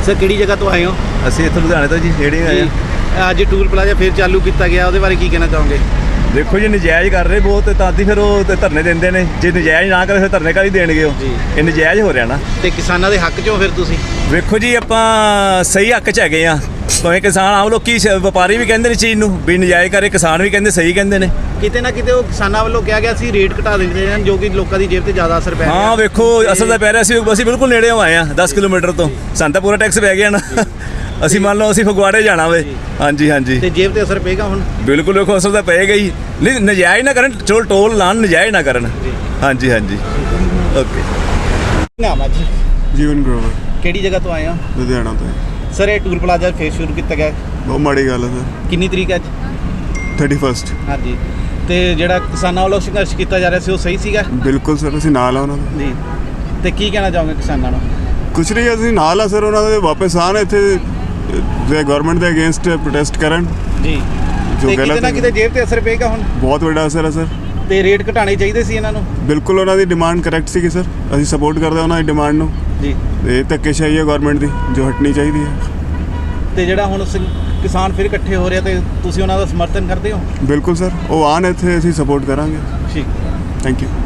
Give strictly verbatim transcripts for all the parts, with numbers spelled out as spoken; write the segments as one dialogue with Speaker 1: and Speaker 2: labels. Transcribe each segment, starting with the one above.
Speaker 1: Sir किहड़ी जगह तो आए हो?
Speaker 2: ਅਸੀਂ ਇੱਥੇ ਲੁਧਿਆਣੇ ਤੋਂ ਜੀ ਨੇੜੇ ਆਏ ਹਾਂ।
Speaker 1: ਅੱਜ ਟੂਲ ਪਲਾਜ਼ਾ ਫਿਰ ਚਾਲੂ ਕੀਤਾ ਗਿਆ, ਉਹਦੇ ਬਾਰੇ ਕੀ ਕਹਿਣਾ ਚਾਹੋਗੇ?
Speaker 2: ਦੇਖੋ ਜੀ ਨਜਾਇਜ਼ ਕਰ ਰਹੇ ਬਹੁਤ, ਤਾਂ ਦੀ ਫਿਰ ਉਹ ਤੇ ਧਰਨੇ ਦਿੰਦੇ ਨੇ। ਜੇ ਨਜਾਇਜ਼ ਨਾ ਕਰੇ ਫਿਰ ਧਰਨੇ ਕਾਹਦੀ ਦੇਣਗੇ ਉਹ?
Speaker 1: ਜੀ।
Speaker 2: ਇਹ ਨਜਾਇਜ਼ ਹੋ ਰਿਹਾ ਨਾ।
Speaker 1: ਤੇ ਕਿਸਾਨਾਂ ਦੇ ਹੱਕ 'ਚੋਂ ਫਿਰ ਤੁਸੀਂ?
Speaker 2: ਵੇਖੋ ਜੀ ਆਪਾਂ ਸਹੀ ਹੱਕ 'ਚ ਹੈਗੇ ਆ। ਭਾਵੇਂ ਕਿਸਾਨ ਆਮ ਲੋਕੀ ਸ- ਵਪਾਰੀ ਵੀ ਕਹਿੰਦੇ ਨੇ ਚੀਜ਼ ਨੂੰ ਵੀ ਨਜਾਇਜ਼ ਕਰੇ, ਕਿਸਾਨ ਵੀ ਕਹਿੰਦੇ ਸਹੀ ਕਹਿੰਦੇ ਨੇ।
Speaker 1: ਕਿਤੇ ਨਾ ਕਿਤੇ ਉਹ ਕਿਸਾਨਾਂ ਵੱਲੋਂ ਕਿਹਾ ਗਿਆ ਸੀ ਰੇਟ ਘਟਾ ਦਿੰਦੇ ਹਨ, ਜੋ ਕਿ ਲੋਕਾਂ ਦੀ ਜੇਬ ਤੇ ਜ਼ਿਆਦਾ ਅਸਰ ਪੈ ਰਿਹਾ।
Speaker 2: ਹਾਂ ਵੇਖੋ ਅਸਲ ਤਾਂ ਪੈ ਰਿਹਾ ਸੀ, ਅਸੀਂ ਬਿਲਕੁਲ ਨੇੜੇ ਆਏ ਆ ਦਸ ਕਿਲੋਮੀਟਰ ਤੋਂ। ਸਾਨੂੰ ਤਾਂ ਪੂਰਾ ਟੈਕਸ ਪੈ ਗਿਆ ਨਾ। ਅਸੀਂ ਮੰਨ ਲਓ ਅਸੀਂ ਫਗਵਾੜੇ ਜਾਣਾ ਵੇ। ਹਾਂਜੀ ਹਾਂਜੀ
Speaker 1: ਤੇ ਜੇਬ ਤੇ ਅਸਰ ਪਏਗਾ ਹੁਣ?
Speaker 2: ਬਿਲਕੁਲ ਵੇਖੋ ਅਸਲ ਤਾਂ ਪਏਗਾ ਹੀ। ਨਹੀਂ ਨਜਾਇਜ਼ ਨਾ ਕਰਨ, ਚਲੋ ਟੋਲ ਲਾਣ, ਨਜਾਇਜ਼ ਨਾ ਕਰਨ। ਹਾਂਜੀ ਹਾਂਜੀ ਓਕੇ।
Speaker 1: ਨਾਮ ਆ ਜੀ?
Speaker 3: ਜੀਵਨ ਗਰੋਵਰ,
Speaker 1: ਕਿਹੜੀ ਜਗ੍ਹਾ ਤੋਂ ਆਏ ਹੋ?
Speaker 3: ਲੁਧਿਆਣਾ ਤੋਂ।
Speaker 1: ਸਰ ਇਹ ਟੂਲ ਪਲਾਜ਼ਾ ਫੇਰ ਸ਼ੁਰੂ ਕੀਤਾ ਗਿਆ,
Speaker 3: ਬਹੁਤ ਮਾੜੀ ਗੱਲ ਹੈ ਸਰ।
Speaker 1: ਕਿੰਨੀ ਤਰੀਕ ਅੱਜ?
Speaker 3: Thirty first.
Speaker 1: ਹਾਂਜੀ। ਤੇ ਜਿਹੜਾ ਕਿਸਾਨਾਂ ਵੱਲੋਂ ਸੰਘਰਸ਼ ਕੀਤਾ ਜਾ ਰਿਹਾ ਸੀ ਉਹ ਸਹੀ ਸੀਗਾ?
Speaker 3: ਬਿਲਕੁਲ ਸਰ, ਅਸੀਂ ਨਾਲ ਆ ਉਹਨਾਂ ਦੇ।
Speaker 1: ਜੀ। ਤੇ ਕੀ ਕਹਿਣਾ ਚਾਹੋਗੇ ਕਿਸਾਨਾਂ ਨੂੰ?
Speaker 3: ਕੁਛ ਨਹੀਂ, ਅਸੀਂ ਨਾਲ ਆ ਸਰ ਉਹਨਾਂ ਦੇ। ਵਾਪਸ ਆਉਣ ਇੱਥੇ ਜੇ ਗਵਰਨਮੈਂਟ ਦੇ ਅਗੇਂਸਟ ਪ੍ਰੋਟੈਸਟ ਕਰਨ।
Speaker 1: ਜੀ।
Speaker 3: ਜੋ
Speaker 1: ਤੇ ਕਿਤੇ
Speaker 3: ਗਲਤ
Speaker 1: ਨਾ
Speaker 3: ਹੈ,
Speaker 1: ਕਿਤੇ ਜੇਬ ਤੇ ਅਸਰ ਪਏਗਾ ਹੁਣ?
Speaker 3: ਬਹੁਤ ਵੱਡਾ ਅਸਰ ਹੈ ਸਰ।
Speaker 1: ਤੇ ਰੇਟ ਘਟਾਣੇ ਚਾਹੀਦੇ ਸੀ ਇਹਨਾਂ ਨੂੰ?
Speaker 3: ਬਿਲਕੁਲ ਉਹਨਾਂ ਦੀ ਡਿਮਾਂਡ ਕਰੈਕਟ ਸੀਗੀ ਸਰ। ਅਸੀਂ ਸਪੋਰਟ ਕਰਦੇ ਹਾਂ ਉਹਨਾਂ ਦੀ ਡਿਮਾਂਡ ਨੂੰ।
Speaker 1: ਜੀ।
Speaker 3: ਇਹ ਧੱਕੇਸ਼ਾਹੀ ਹੈ ਗਵਰਨਮੈਂਟ ਦੀ, ਜੋ ਹਟਣੀ ਚਾਹੀਦੀ ਹੈ।
Speaker 1: ਤੇ ਜਿਹੜਾ ਹੁਣ ਸ- ਕਿਸਾਨ ਫਿਰ ਇਕੱਠੇ ਹੋ ਰਿਹਾ ਤੇ ਤੁਸੀਂ ਉਹਨਾਂ ਦਾ ਸਮਰਥਨ ਕਰਦੇ ਹੋ?
Speaker 3: ਬਿਲਕੁਲ ਸਰ, ਉਹ ਆਉਣ ਇੱਥੇ, ਅਸੀਂ ਸਪੋਰਟ ਕਰਾਂਗੇ।
Speaker 1: ਠੀਕ।
Speaker 3: Thank you.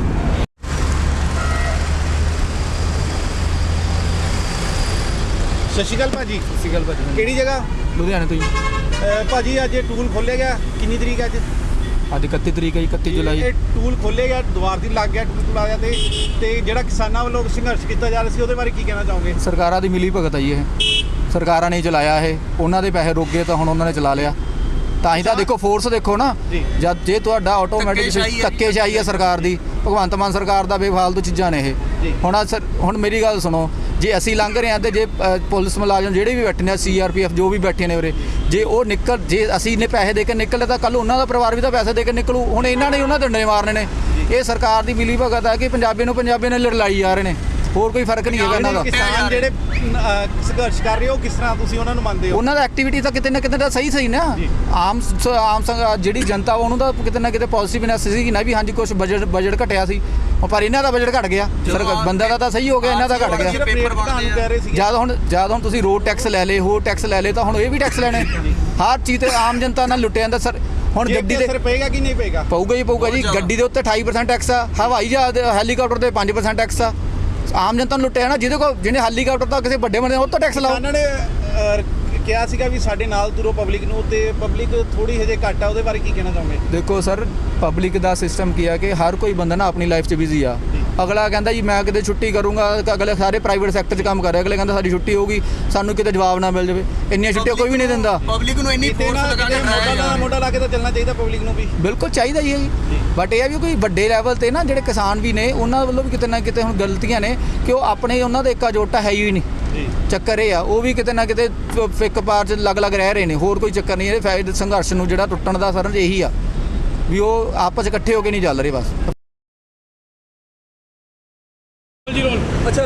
Speaker 1: ਸਤਿ ਸ਼੍ਰੀ ਅਕਾਲ ਭਾਜੀ।
Speaker 4: ਸਤਿ ਸ਼੍ਰੀ ਅਕਾਲ ਭਾਜੀ।
Speaker 1: ਕਿਹੜੀ ਜਗ੍ਹਾ?
Speaker 4: ਲੁਧਿਆਣੇ ਤੋਂ ਜੀ।
Speaker 1: ਅਹ ਭਾਜੀ ਅੱਜ ਇਹ ਟੂਲ ਖੋਲ੍ਹਿਆ ਗਿਆ, ਕਿੰਨੀ ਤਰੀਕ ਹੈ ਅੱਜ?
Speaker 4: ਅੱਜ ਇਕੱਤੀ ਤਰੀਕ ਹੈ ਜੀ, ਇਕੱਤੀ ਜੁਲਾਈ।
Speaker 1: ਇਹ ਟੂਲ ਖੋਲ੍ਹਿਆ ਗਿਆ, ਦੁਆਰ ਦੀ ਲੱਗ ਗਿਆ ਟੂਲ ਪਲਾਜ਼ਾ ਤੇ ਤੇ ਜਿਹੜਾ ਕਿਸਾਨਾਂ ਵੱਲੋਂ ਸੰਘਰਸ਼ ਕੀਤਾ ਜਾ ਰਿਹਾ ਸੀ ਉਹਦੇ ਬਾਰੇ ਕੀ ਕਹਿਣਾ ਚਾਹੋਗੇ?
Speaker 4: ਸਰਕਾਰਾਂ ਦੀ ਮਿਲੀ ਭਗਤ ਆ ਜੀ ਇਹ। ਸਰਕਾਰਾਂ ਨੇ ਚਲਾਇਆ ਇਹ, ਉਹਨਾਂ ਦੇ ਪੈਸੇ ਰੁਕ ਗਏ ਤਾਂ ਹੁਣ ਉਹਨਾਂ ਨੇ ਚਲਾ ਲਿਆ। ਤਾਂ ਹੀ ਤਾਂ ਦੇਖੋ ਫੋਰਸ ਦੇਖੋ ਨਾ।
Speaker 1: ਜੀ।
Speaker 4: ਜਦ ਜੇ ਤੁਹਾਡਾ ਆਟੋਮੈਟਿਕ ਧੱਕੇਸ਼ਾਹੀ ਹੈ ਸਰਕਾਰ ਦੀ, ਭਗਵੰਤ ਮਾਨ ਸਰਕਾਰ ਦਾ ਬੇਫਾਲਤੂ ਚੀਜ਼ਾਂ ਨੇ ਇਹ।
Speaker 1: ਜੀ।
Speaker 4: ਹੁਣ ਆਹ ਸਰ ਹੁਣ ਮੇਰੀ ਗੱਲ ਸੁਣੋ, ਜੇ ਅਸੀਂ ਲੰਘ ਰਹੇ ਹਾਂ ਤੇ ਜੇ ਅ, ਪੁਲਿਸ ਮੁਲਾਜ਼ਮ ਜਿਹੜੇ ਵੀ ਬੈਠੇ ਨੇ, ਸੀ ਆਰ ਪੀ ਐਫ ਜੋ ਵੀ ਬੈਠੇ ਨੇ ਉਰੇ, ਜੇ ਉਹ ਨਿਕਲ, ਜੇ ਅਸੀਂ ਨੇ ਪੈਸੇ ਦੇ ਕੇ ਨਿਕਲੇ ਤਾਂ ਕੱਲ ਉਹਨਾਂ ਦਾ ਪਰਿਵਾਰ ਵੀ ਤਾਂ ਪੈਸੇ ਦੇ ਕੇ ਨਿਕਲੂ। ਹੁਣ ਇਹਨਾਂ ਨੇ ਉਹਨਾਂ ਦੇ ਡੰਡੇ ਮਾਰਨੇ ਨੇ। ਇਹ ਸਰਕਾਰ ਦੀ ਮਿਲੀ ਭਗਤ ਹੈ ਕਿ ਪੰਜਾਬੀ ਨੂੰ ਪੰਜਾਬੀ ਨਾਲ ਲੜਾਈ ਜਾ ਰਹੇ ਨੇ, ਹੋਰ ਕੋਈ ਫਰਕ ਨਹੀਂ ਹੈਗਾ ਇਹਨਾਂ ਦਾ।
Speaker 1: ਕਿਸਾਨ ਜਿਹੜੇ ਅਹ, ਸੰਘਰਸ਼ ਕਰ ਰਹੇ ਹੋ ਕਿਸ ਤਰ੍ਹਾਂ ਤੁਸੀਂ ਉਹਨਾਂ ਨੂੰ ਮੰਨਦੇ ਹੋ?
Speaker 4: ਉਹਨਾਂ ਦਾ ਐਕਟੀਵਿਟੀ ਤਾਂ ਕਿਤੇ ਨਾ ਕਿਤੇ ਤਾਂ ਸਹੀ ਸਹੀ ਨਾ। ਆਮ ਸ- ਆਮ ਸੰਗ- ਜਿਹੜੀ ਜਨਤਾ ਉਹਨੂੰ ਤਾਂ ਕਿਤੇ ਨਾ ਕਿਤੇ ਪੋਜ਼ਿਟਿਵਨੈਸ ਸੀ ਕਿ ਨਾ ਵੀ ਹਾਂਜੀ ਕੁਝ ਬਜਟ ਬਜਟ ਘਟਿਆ ਸੀ, ਪਰ ਇਹਨਾਂ ਦਾ ਬਜਟ ਘਟ ਗਿਆ। ਸਰਕਾਰ ਬੰਦਾ ਦਾ ਤਾਂ ਸਹੀ ਹੋ ਗਿਆ, ਇਹਨਾਂ ਦਾ ਘਟ ਗਿਆ।
Speaker 1: ਸਿਰਫ ਰੇਟ ਘਟਾਉਣ ਨੂੰ ਕਹਿ ਰਹੇ ਸੀ।
Speaker 4: ਜਦ ਹੁਣ ਜਦ ਹੁਣ ਤੁਸੀਂ ਰੋਡ ਟੈਕਸ ਲੈ ਲੇ, ਹੋਰ ਟੈਕਸ ਲੈ ਲੇ, ਤਾਂ ਹੁਣ ਇਹ ਵੀ ਟੈਕਸ ਲੈਣੇ। ਹਰ ਚੀਜ਼ ਤੇ ਆਮ ਜਨਤਾ ਨਾਲ ਲੁੱਟਿਆ ਜਾਂਦਾ ਸਰ। ਹੁਣ ਗੱਡੀ
Speaker 1: ਅਸਰ
Speaker 4: ਦੇ
Speaker 1: ਪਏਗਾ ਕਿ ਨਹੀਂ ਪਏਗਾ?
Speaker 4: ਪਊਗਾ ਹੀ ਪਊਗਾ ਜੀ। ਗੱਡੀ ਦੇ ਉੱਤੇ ਅਠਾਈ ਪਰਸੈਂਟ ਟੈਕਸ ਆ, ਹਵਾਈ ਜਹਾਜ਼ ਹੈਲੀਕਾਪਟਰ ਤੇ ਪੰਜ ਪਰਸੈਂਟ ਟੈਕਸ ਆ। ਆਮ ਜਨਤਾ ਨੂੰ ਲੁੱਟਿਆ ਨਾ, ਜਿਹਦੇ ਕੋਲ ਜਿਹਨੇ ਹੈਲੀਕਾਪਟਰ ਤਾਂ ਕਿਸੇ ਵੱਡੇ ਬੰਦੇ ਉਹ ਤੋਂ ਟੈਕਸ ਲਾਓ।
Speaker 1: ਉਹਨਾਂ ਨੇ ਅਹ, ਕਿਹਾ ਸੀਗਾ ਵੀ ਸਾਡੇ ਨਾਲ ਤੁਰੋ ਪਬਲਿਕ ਨੂੰ, ਤੇ ਪਬਲਿਕ ਥੋੜੀ ਹਜੇ ਘੱਟ ਆ, ਉਹਦੇ ਬਾਰੇ ਕੀ ਕਹਿਣਾ ਚਾਹੋਗੇ?
Speaker 4: ਦੇਖੋ ਸਰ, ਪਬਲਿਕ ਦਾ ਸਿਸਟਮ ਕੀ ਆ ਕਿ ਹਰ ਕੋਈ ਬੰਦਾ ਨਾ ਆਪਣੀ ਲਾਈਫ 'ਚ ਬਿਜ਼ੀ ਆ। ਅਗਲਾ ਕਹਿੰਦਾ ਜੀ ਮੈਂ ਕਿਤੇ ਛੁੱਟੀ ਕਰੂੰਗਾ, ਅਗਲੇ ਸਾਰੇ ਪ੍ਰਾਈਵੇਟ ਸੈਕਟਰ 'ਚ ਕੰਮ ਕਰ ਰਹੇ, ਅਗਲੇ ਕਹਿੰਦਾ ਸਾਡੀ ਛੁੱਟੀ ਹੋਊਗੀ, ਸਾਨੂੰ ਕਿਤੇ ਜਵਾਬ ਨਾ ਮਿਲ ਜਾਵੇ। ਇੰਨੀਆਂ ਛੁੱਟੀਆਂ ਕੋਈ ਵੀ ਨਹੀਂ ਦਿੰਦਾ।
Speaker 5: ਪਬਲਿਕ ਨੂੰ ਇੰਨੀ ਫੋਰਸ ਲਗਾ ਕੇ
Speaker 1: ਮੋਢਾ ਨਾਲ ਮੋਢਾ ਲਾ ਕੇ ਤਾਂ ਚੱਲਣਾ ਚਾਹੀਦਾ ਪਬਲਿਕ ਨੂੰ ਵੀ।
Speaker 4: ਬਿਲਕੁਲ ਚਾਹੀਦਾ ਹੀ ਹੈ ਜੀ, ਬਟ ਇਹ ਆ ਵੀ ਕੋਈ ਵੱਡੇ ਲੈਵਲ ਤੇ ਨਾ ਜਿਹੜੇ ਕਿਸਾਨ ਵੀ ਨੇ ਉਹਨਾਂ ਵੱਲੋਂ ਵੀ ਕਿਤੇ ਨਾ ਕਿਤੇ ਹੁਣ ਗਲਤੀਆਂ ਨੇ ਕਿ ਉਹ ਆਪਣੇ ਉਹਨਾਂ ਦਾ ਇੱਕਾ ਜੋਟਾ ਹੈ ਹੀ ਨਹੀਂ। ਚੱਕਰ ਇਹ ਆ ਉਹ ਵੀ ਕਿਤੇ ਨਾ ਕਿਤੇ ਫਿੱਕ ਪਾਰ 'ਚ ਅਲੱਗ-ਅਲੱਗ ਰਹਿ ਰਹੇ ਨੇ, ਹੋਰ ਕੋਈ ਚੱਕਰ ਨਹੀਂ। ਇਹ ਫਾਇਦੇ ਸੰਘਰਸ਼ ਨੂੰ ਜਿਹੜਾ ਟੁੱਟਣ ਦਾ ਸਰ ਇਹੀ ਆ ਵੀ ਉਹ ਆਪਸ 'ਚ ਇਕੱਠੇ ਹੋ ਕੇ ਨਹੀਂ ਚੱਲ ਰਹੇ ਬਸ।
Speaker 6: अच्छा,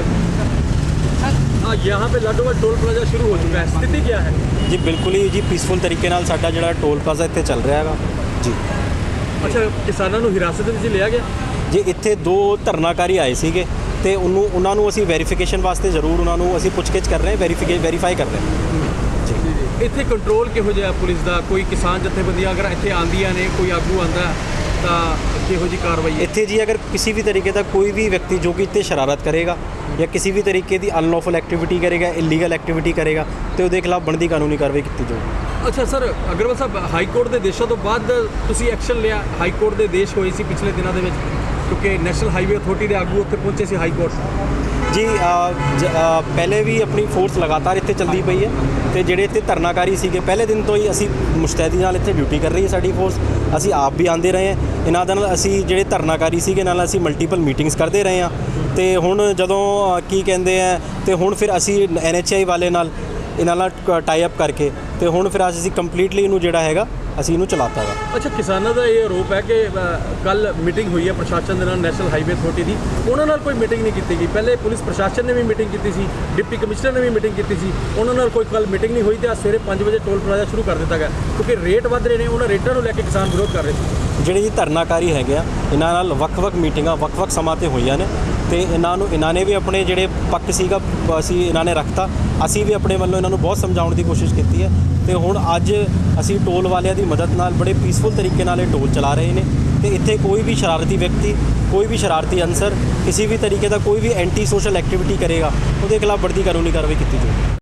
Speaker 6: हाँ यहाँ पे लाडोवाल टोल प्लाजा शुरू हो चुका है, स्थिति क्या है?
Speaker 7: जी बिल्कुल ही जी पीसफुल तरीके नाल साडा जिहड़ा टोल प्लाजा इत्थे चल रहा हैगा जी।
Speaker 6: अच्छा, किसानों ਨੂੰ ਹਿਰਾਸਤ ਵਿੱਚ ਲਿਆ ਗਿਆ
Speaker 7: ਜੀ ਇੱਥੇ ਦੋ ਧਰਨਾਕਾਰੀ ਆਏ ਸੀਗੇ ਤੇ ਉਹਨੂੰ ਉਹਨਾਂ ਨੂੰ ਅਸੀਂ ਵੈਰੀਫਿਕੇਸ਼ਨ ਵਾਸਤੇ ਜ਼ਰੂਰ ਉਹਨਾਂ ਨੂੰ ਅਸੀਂ ਪੁੱਛਗਿੱਛ ਕਰ ਰਹੇ ਹਾਂ, ਵੈਰੀਫਿਕੇ ਵੈਰੀਫਾਈ ਕਰ ਰਹੇ ਹਾਂ ਜੀ।
Speaker 6: ਇੱਥੇ ਕੰਟਰੋਲ ਕਿਹੋ ਜਿਹਾ ਪੁਲਿਸ ਦਾ? ਕੋਈ ਕਿਸਾਨ ਜਥੇਬੰਦੀਆਂ ਅਗਰ ਇੱਥੇ ਆਉਂਦੀਆਂ ਨੇ, ਕੋਈ ਆਗੂ ਆਉਂਦਾ ਤਾਂ ਕਿਹੋ ਜਿਹੀ ਕਾਰਵਾਈ ਹੈ
Speaker 7: ਇੱਥੇ ਜੀ ਅਗਰ ਕਿਸੇ ਵੀ ਤਰੀਕੇ ਦਾ ਕੋਈ ਵੀ ਵਿਅਕਤੀ ਜੋ ਕਿ ਇੱਥੇ ਸ਼ਰਾਰਤ ਕਰੇਗਾ ਜਾਂ ਕਿਸੇ ਵੀ ਤਰੀਕੇ ਦੀ ਅਨਲੌਫੁਲ ਐਕਟੀਵਿਟੀ ਕਰੇਗਾ, ਇਲੀਗਲ ਐਕਟੀਵਿਟੀ ਕਰੇਗਾ ਤੇ ਉਹਦੇ ਖਿਲਾਫ ਬਣਦੀ ਕਾਨੂੰਨੀ ਕਾਰਵਾਈ ਕੀਤੀ ਜਾਊਗੀ।
Speaker 6: ਅੱਛਾ ਸਰ, ਅਗਰਵਾਲ ਸਾਹਿਬ, ਹਾਈ ਕੋਰਟ ਦੇ ਦੇਸ਼ਾਂ ਤੋਂ ਬਾਅਦ ਤੁਸੀਂ ਐਕਸ਼ਨ ਲਿਆ। ਹਾਈ ਕੋਰਟ ਦੇ ਦੇਸ਼ ਹੋਏ ਸੀ ਪਿਛਲੇ ਦਿਨਾਂ ਦੇ ਵਿੱਚ, ਕਿਉਂਕਿ ਨੈਸ਼ਨਲ ਹਾਈਵੇ ਅਥਾਰਟੀ ਦੇ ਆਗੂ ਉੱਥੇ ਪਹੁੰਚੇ ਸੀ ਹਾਈ ਕੋਰਟ।
Speaker 7: ਜੀ ਪਹਿਲੇ ਵੀ ਆਪਣੀ ਫੋਰਸ ਲਗਾਤਾਰ ਇੱਥੇ ਚੱਲਦੀ ਪਈ ਹੈ ਤੇ ਜਿਹੜੇ ਇੱਥੇ ਧਰਨਾਕਾਰੀ ਸੀਗੇ ਪਹਿਲੇ ਦਿਨ ਤੋਂ ਹੀ ਅਸੀਂ ਮੁਸ਼ਤੈਦੀ ਨਾਲ ਇੱਥੇ ਡਿਊਟੀ ਕਰ ਰਹੀ ਹੈ ਸਾਡੀ ਫੋਰਸ। ਅਸੀਂ ਆਪ ਵੀ ਆਉਂਦੇ ਰਹੇ ਹਾਂ ਇਹਨਾਂ ਦੇ ਨਾਲ। ਅਸੀਂ ਜਿਹੜੇ ਧਰਨਾਕਾਰੀ ਸੀਗੇ ਨਾਲ ਅਸੀਂ ਮਲਟੀਪਲ ਮੀਟਿੰਗਸ ਕਰਦੇ ਰਹੇ ਹਾਂ ਤੇ ਹੁਣ ਜਦੋਂ ਕੀ ਕਹਿੰਦੇ ਆ ਤੇ ਹੁਣ ਫਿਰ ਅਸੀਂ ਐਨ ਐਚ ਆਈ ਵਾਲੇ ਨਾਲ ਇਹਨਾਂ ਨਾਲ ਟਾਈ ਅਪ ਕਰਕੇ ਤੇ ਹੁਣ ਫਿਰ ਅਸੀਂ ਕੰਪਲੀਟਲੀ ਇਹਨੂੰ ਜਿਹੜਾ ਹੈਗਾ ਅਸੀਂ ਇਹਨੂੰ ਚਲਾਤਾ ਵਾ।
Speaker 6: ਅੱਛਾ, ਕਿਸਾਨਾਂ ਦਾ ਇਹ ਆਰੋਪ ਹੈ ਕਿ ਕੱਲ ਮੀਟਿੰਗ ਹੋਈ ਹੈ ਪ੍ਰਸ਼ਾਸਨ ਦੇ ਨਾਲ, ਨੈਸ਼ਨਲ ਹਾਈਵੇ ਅਥਾਰਟੀ ਦੀ, ਉਹਨਾਂ ਨਾਲ ਕੋਈ ਮੀਟਿੰਗ ਨਹੀਂ ਕੀਤੀ ਗਈ। ਪਹਿਲੇ ਪੁਲਿਸ ਪ੍ਰਸ਼ਾਸਨ ਨੇ ਵੀ ਮੀਟਿੰਗ ਕੀਤੀ ਸੀ, ਡਿਪਟੀ ਕਮਿਸ਼ਨਰ ਨੇ ਵੀ ਮੀਟਿੰਗ ਕੀਤੀ ਸੀ, ਉਹਨਾਂ ਨਾਲ ਕੋਈ ਕੱਲ ਮੀਟਿੰਗ ਨਹੀਂ ਹੋਈ ਤੇ ਅੱਜ ਸਵੇਰੇ ਪੰਜ ਵਜੇ ਟੋਲ ਪਲਾਜ਼ਾ ਸ਼ੁਰੂ ਕਰ ਦਿੱਤਾ ਗਿਆ ਕਿਉਂਕਿ ਰੇਟ ਵੱਧ ਰਹੇ ਨੇ। ਉਹਨਾਂ ਰੇਟਾਂ ਨੂੰ ਲੈ ਕੇ ਕਿਸਾਨ ਵਿਰੋਧ ਕਰ ਰਹੇ ਸੀ।
Speaker 7: ਜਿਹੜੇ ਜੀ ਧਰਨਾਕਾਰੀ ਹੈਗੇ ਆ ਇਹਨਾਂ ਨਾਲ ਵੱਖ-ਵੱਖ ਮੀਟਿੰਗਾਂ ਵੱਖ-ਵੱਖ ਸਮਾਂ 'ਤੇ ਹੋਈਆਂ ਨੇ ਤੇ ਇਹਨਾਂ ਨੂੰ ਇਹਨਾਂ ਨੇ ਵੀ ਆਪਣੇ ਜਿਹੜੇ ਪੱਕ ਸੀਗਾ ਅਸੀਂ ਇਹਨਾਂ ਨੇ ਰੱਖਤਾ। ਅਸੀਂ ਵੀ ਆਪਣੇ ਵੱਲੋਂ ਇਹਨਾਂ ਨੂੰ ਬਹੁਤ ਸਮਝਾਉਣ ਦੀ ਕੋਸ਼ਿਸ਼ ਕੀਤੀ ਹੈ ਤੇ ਹੁਣ ਅੱਜ ਅਸੀਂ ਟੋਲ ਵਾਲਿਆਂ ਦੀ ਮਦਦ ਨਾਲ ਬੜੇ ਪੀਸਫੁਲ ਤਰੀਕੇ ਨਾਲ ਇਹ ਟੋਲ ਚਲਾ ਰਹੇ ਨੇ ਤੇ ਇੱਥੇ ਕੋਈ ਵੀ ਸ਼ਰਾਰਤੀ ਵਿਅਕਤੀ, ਕੋਈ ਵੀ ਸ਼ਰਾਰਤੀ ਅਨਸਰ ਕਿਸੇ ਵੀ ਤਰੀਕੇ ਦਾ ਕੋਈ ਵੀ ਐਂਟੀ ਸੋਸ਼ਲ ਐਕਟੀਵਿਟੀ ਕਰੇਗਾ ਉਹਦੇ ਖਿਲਾਫ ਬਣਦੀ ਕਾਨੂੰਨੀ ਕਾਰਵਾਈ ਕੀਤੀ ਜਾਊਗੀ।